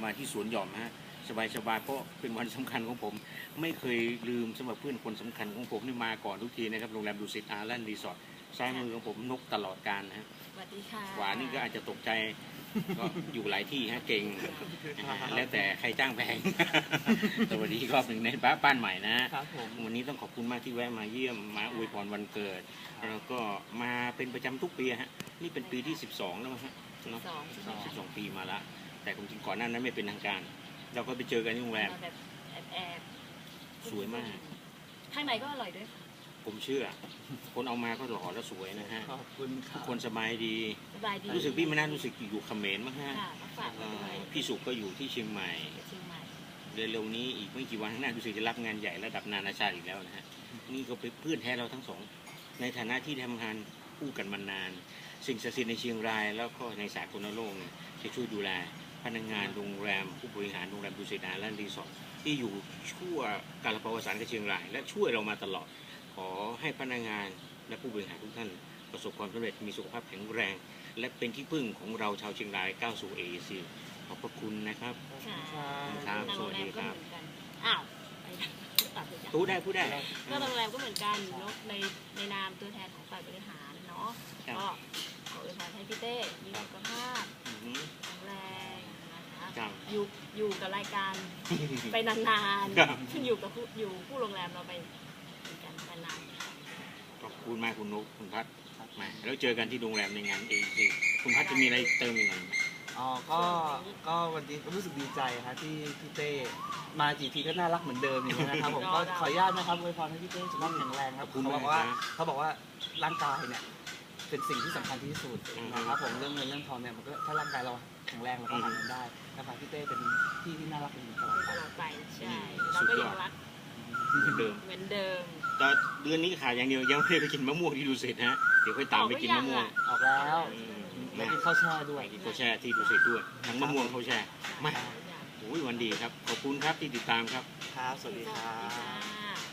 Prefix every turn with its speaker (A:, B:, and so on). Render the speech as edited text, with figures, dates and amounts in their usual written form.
A: มาที่สวนหย่อมฮะสบายๆเพราะเป็นวันสำคัญของผมไม่เคยลืมสำหรับเพื่อนคนสำคัญของผมนี่มาก่อนทุกทีนะครับโรงแรมดุสิตอาร์แลนด์รีสอร์ทซ้ายมือของผมนกตลอดกาลนะฮะ
B: สวัสดีค่ะ
A: หวานนี่ก็อาจจะตกใจก็อยู่หลายที่ฮะเก่งแล้วแต่ใครจ้างแพง สวัสดีอีกรอบหนึ่งในบ้านใหม่นะครับ วันนี้ต้องขอบคุณมากที่แวะมาเยี่ยมมาอวยพรวันเกิดแล้วก็มาเป็นประจำทุกปีฮะนี่เป็นปีที่12แล้วมั้งฮะเนาะ12 ปีมาละแต่ความจริงก่อนหน้านั้นไม่เป็นทางการเราก็ไปเจอกันที่โรงแรม
B: มาแบบแอบๆ
A: สวยมาก
B: ข้างในก็อร่อยด้วยค่ะ
A: ผมเชื่อ คนเอามาก็หล่อและสวยนะฮะ
C: ขอบคุณค
A: ทุ
C: รั
A: ก
C: บ
A: คนสบายดี
B: สบายดี
A: รู้สึกพี่มานารู้สึกอยู่เขมรมั้งฮะ
B: ค่ะมาฝากไว้ด้วย
A: พี่สุก็อยู่ที่เชียงใหม่
B: เชียงใหม่
A: เร็วๆนี้อีกไม่กี่วันข้างหน้ารู้สึกจะรับงานใหญ่ระดับนานาชาติอีกแล้วนะฮะนี่ก็เป็นเพื่อนแท้เราทั้งสองในฐานะที่ทำงานคู่กันมานาน สิ่งศักดิ์สิทธิ์ในเชียงรายแล้วก็ในสากลโลกเนี่ยจะช่วยดูแลพนักงานโรงแรมผู้บริหารโรงแรมดุสิตอาร์แลนด์รีสอร์ทที่อยู่ชั่วกาลประวัติศาสตร์กับเชียงรายและช่วยเรามาตลอด ขอให้พนักงานและผู้บริหารทุกท่านประสบความสำเร็จมีสุขภาพแข็งแรง และเป็นที่พึ่งของเราชาวเชียงรายก้าวสู่ AEC ขอบพระคุณนะครับ
B: ค่ะ
A: ครับ
B: ทางโรงแรมก็เหมือนกันอ้าวไปตัดเลยจ้ะ
A: พูดได้
B: ก็โรงแรมก็เหมือนกันเนอะในนามตัวแทนของฝ่ายบริหารเนาะ
A: ครับ
B: ก็ขออวยพรให้พี่เต้มีสุขภาพ
A: อือหือ
B: แข็งแรงนะคะ
A: ครับ
B: อยู่กับรายการไปนาน
A: ครับ
B: ๆอยู่กับผู้โรงแรมเราไปเหมือนกันนานๆค่ะ
A: ขอบคุณมากคุณนุ๊กคุณพัฒน์มาแล้วเจอกันที่โรงแรมในงาน AEC คุณพัฒน์จะมีอะไรเติมอีกไหม
C: อ๋อก็วันนี้ก็รู้สึกดีใจครับที่พี่เต้มากี่ทีก็น่ารักเหมือนเดิมอย่างนี้ยนะครับผมก็ขออนุญาตนะครับอวยพรให้พี่เต้สุขภาพแข็งแรงครับเขาบอกว่าร่างกายเนี่ยเป็นสิ่งที่สำคัญที่สุดนะครับผมเรื่องเงินเรื่องทองเนี่ยมันก็ถ้าร่างกายเราแข็งแรงเราก็หาเงินได้นะครับพี่เต้เป็นพี่ที่น่ารักเป็นตลอด
B: ต
C: ไป
B: ลอดไปใช่เราก็ยังรัก
A: เหมือนเดิม
B: เหมือนเดิม
A: แต่เดือนนี้ขาดอย่างเดียวยังไม่ได้ไปกินมะม่วงที่ดูสิตฮะเดี๋ยวค่อยตามไปกินมะม่วง
C: ออกแล้ว
A: อืม
C: แล้ว
A: นะ
C: กินข้าวแช่ด้วย
A: กินข้าวแช่ที่ดูสิตด้วยทั้งมะม่วงข้าวแช่มาโอ้ยวันดีครับขอบคุณครับที่ติดตามครับ
C: ครับสวัสดีครั
B: สวัสดี
C: บ
B: ค่ะ